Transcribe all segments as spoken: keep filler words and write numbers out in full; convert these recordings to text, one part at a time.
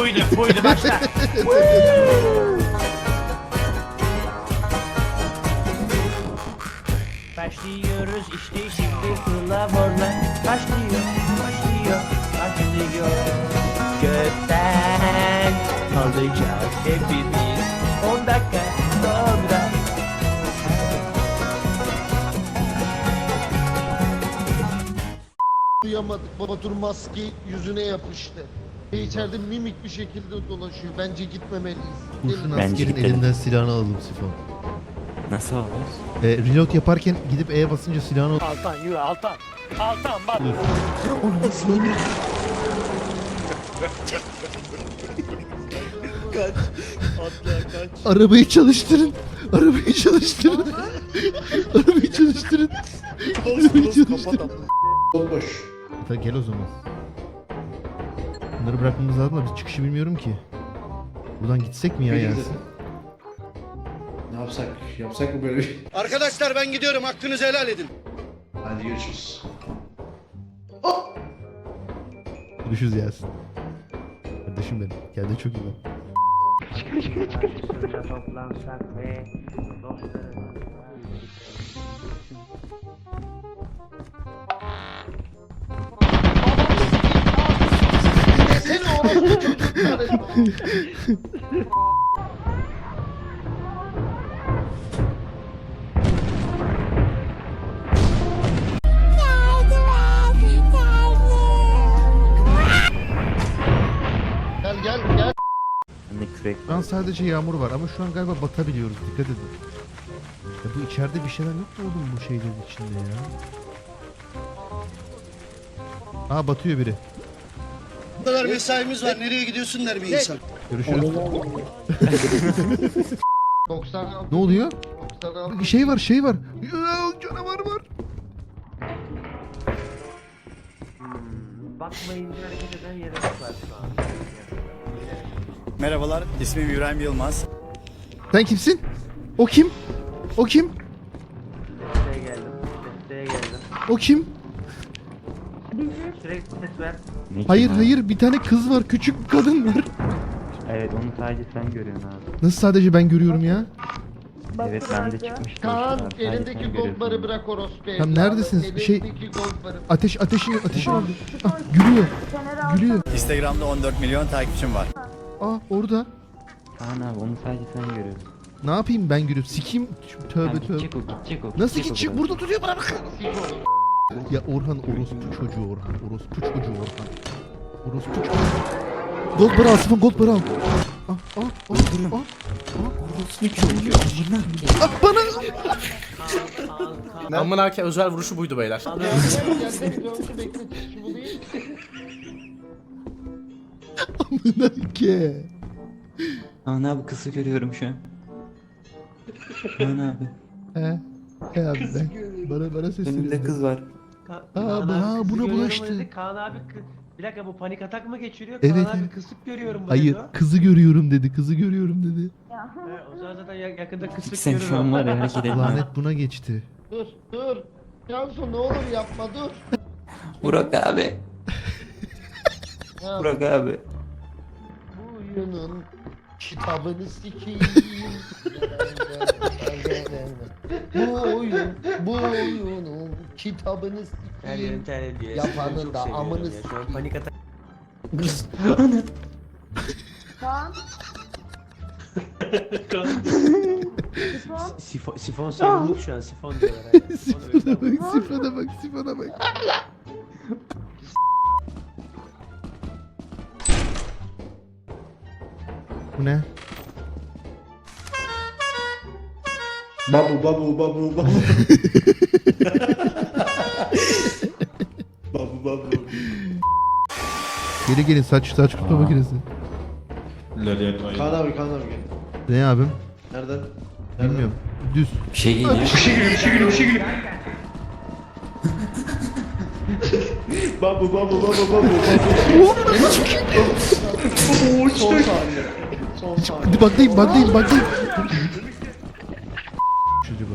buydu buydu başla. Başlıyoruz işte şimdi fırlavorlar. Başlıyor, başlıyor, başlıyor. Gökten alacağız hepimiz on dakika sonra. Duyamadık. Batur maske yüzüne yapıştı. Ve içeride mimik bir şekilde dolaşıyor. Bence gitmemeliyiz. Kurşun Bence askerin gidelim. elinden silahını alalım Sifon. Nasıl olur? E, reload yaparken gidip E'ye basınca silahını al. Altan yürü Altan. Altan bak. Arabayı çalıştırın. Arabayı çalıştırın. Arabayı çalıştırın. Arabayı çalıştırın. Bomboş. Efe gel o zaman. Bunları bırakmamız lazım da biz çıkışı bilmiyorum ki. Buradan gitsek mi ya Peki, Yasin? Ne yapsak? Yapsak mı böyle bir şey? Arkadaşlar ben gidiyorum. Hakkınızı helal edin. Hadi görüşürüz. Görüşürüz Yasin. Kardeşim benim. Kendine çok iyi bak. Karşısında toplansak ve dostlarımız Seni orospu çocukları. Gel gel gel. Bende kürek Şu an sadece yağmur var ama şu an galiba batabiliyoruz. Dikkat edin. Ya bu içeride bir şeyler yok mu oğlum bu şeylerin içinde ya? Aa batıyor biri. Bu kadar mesaimiz var. Nereye gidiyorsun der bir insan. Görüşürüz. doksan altı. Ne oluyor? doksan altı. Bir şey var şey var. Ya, canavar var. bakmayınca hareket eden yere var şu an. Merhabalar, ismim İbrahim Yılmaz. Sen kimsin? O kim? O kim? Desteğe geldim. Desteğe geldim. O kim? Sürekli ses ver. Ne ki Hayır abi? hayır bir tane kız var. Küçük bir kadın var. Evet onu sadece sen görüyorsun abi. Nasıl sadece ben görüyorum ya? Evet bende çıkmıştı. Kaan Sadece sen elindeki görüyorsun. goldları bırak orospu. Tamam, evladı. neredesiniz? Şey- Elindeki goldları. Ateş ateşi ateşi var. Ah, gülüyor. Gülüyor. Instagram'da on dört milyon takipçim var. Aa orada. Kaan abi onu sadece sen görüyorsun. Ne yapayım ben gülüyorum. Sikeyim. Tövbe Tamam, tövbe. gidecek o gidecek o. Nasıl gidecek o gidecek? biraz. Burada duruyor bana bak. Ya Orhan orospu çocuğu Orhan. Orospu çocuğu Orhan. Orospu çocuğu. Gold para al Sifon gold para al. Ah ah ah ah. Ah bana. Amın erken özel vuruşu buydu beyler. Amına ke. Kaan abi kızı görüyorum şu an. Kaan abi. He. He abi ben. Bana bana sesleniyor. Önümde kız var. Ka Aa, Kaan bana- abi kızı buna görüyorum bulaştı. dedi. Kaan abi kı- bir dakika bu panik atak mı geçiriyor? Evet, Kaan abi evet. kısık görüyorum bu Hayır dedi o. kızı görüyorum dedi. Kızı görüyorum dedi. He, o zaman zaten ya- yakında kısık Sen görür şu o. an var ya hareket etme. Lanet buna geçti. Dur dur. Cansu ne olur yapma dur. Burak abi. Ya, Burak abi. bu oyunun kitabını sikeyim. bu oyun, bu oyunun kitabını Her yerim sikeyim. terledi. Yapanın Çok da seviyorum amını ya. Şu an sikeyim. panik atak. Sifon, sifon sarılıp şu an sifon diyorlar. ha. Sifon öyle Sifona bak, sifona bak, sifona bak. Bu ne? Babu babu babu babu. babu babu. Gelin gelin saç saç kurutma makinesi. Kaan abi Kaan abi gel. Ne abim? Nereden? Nereden? Bilmiyorum. Düz. Bir şey geliyor. Bir şey geliyor bir şey geliyor bir şey geliyor. babu babu babu babu. Oo, son saniye. Son saniye. Hadi baklayayım baklayayım baklayayım. Çocuğu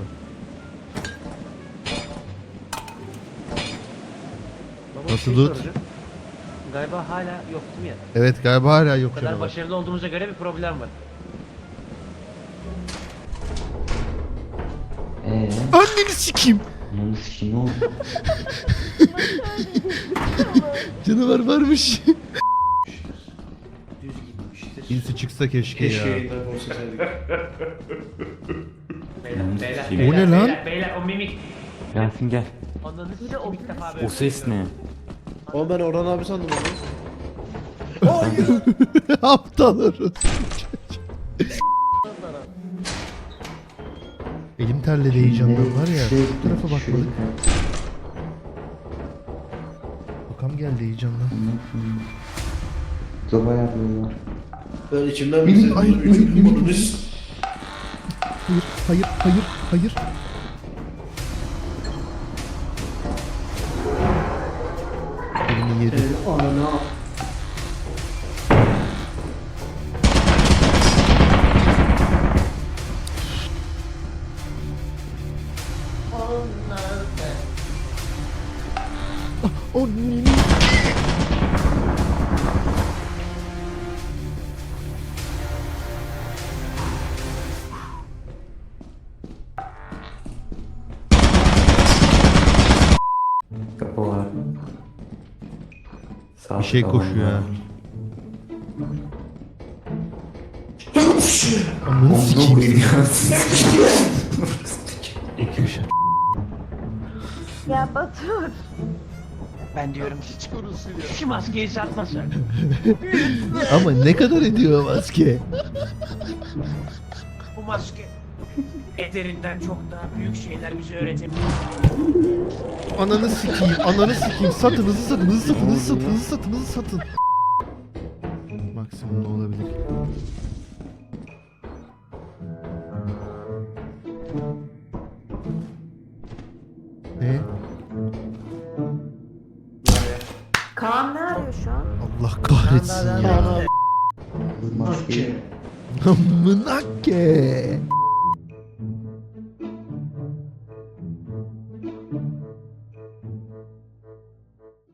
Baba, bir Nasıl şey loot? soracağım. Galiba hala yok değil mi ya? Evet galiba hala yok Bu kadar canavar. başarılı olduğumuza göre bir problem var. Eee? Anneni sikeyim. Ananı sikeyim ne oldu? Canavar varmış. Düz gitmiştir. İnsi çıksa keşke, Keşke ya. yayından konuşsaydık. Beyler, beyler, O beyler, ne lan? Beyler, beyler, o mimik. Yasin gel. Ondan size o ilk defa böyle. O ses ne? Ama ben Orhan abi sandım onu. Aptal orası. Elim terledi heyecandan var ya. Şey- Bu tarafa bakmadık. şey- Bakam geldi heyecandan. Zoba yapıyorlar. Ben içimden bir ses Ay, duyuyorum. ay, Üçüncü ay, bunu ay. düz. Hayır, hayır, hayır, hayır. Elini yedi. O nini. Kapı var. Sağ Bir şey tavan koşuyor var. ha. Amına sikeyim. Ya Batur. Ben diyorum Hiç korusun ya. şu maskeyi satmasa. Ama ne kadar ediyor maske? Bu maske ederinden çok daha büyük şeyler bize öğretebilir. Ananı sikeyim, ananı sikeyim. Satın, hızlı satın, hızlı satın, hızlı satın, hızlı satın, hızlı satın. Maksimum ne olabilir? Ne? Kaan ne arıyor şu an? Allah kahretsin ya. Maske. Amına ke.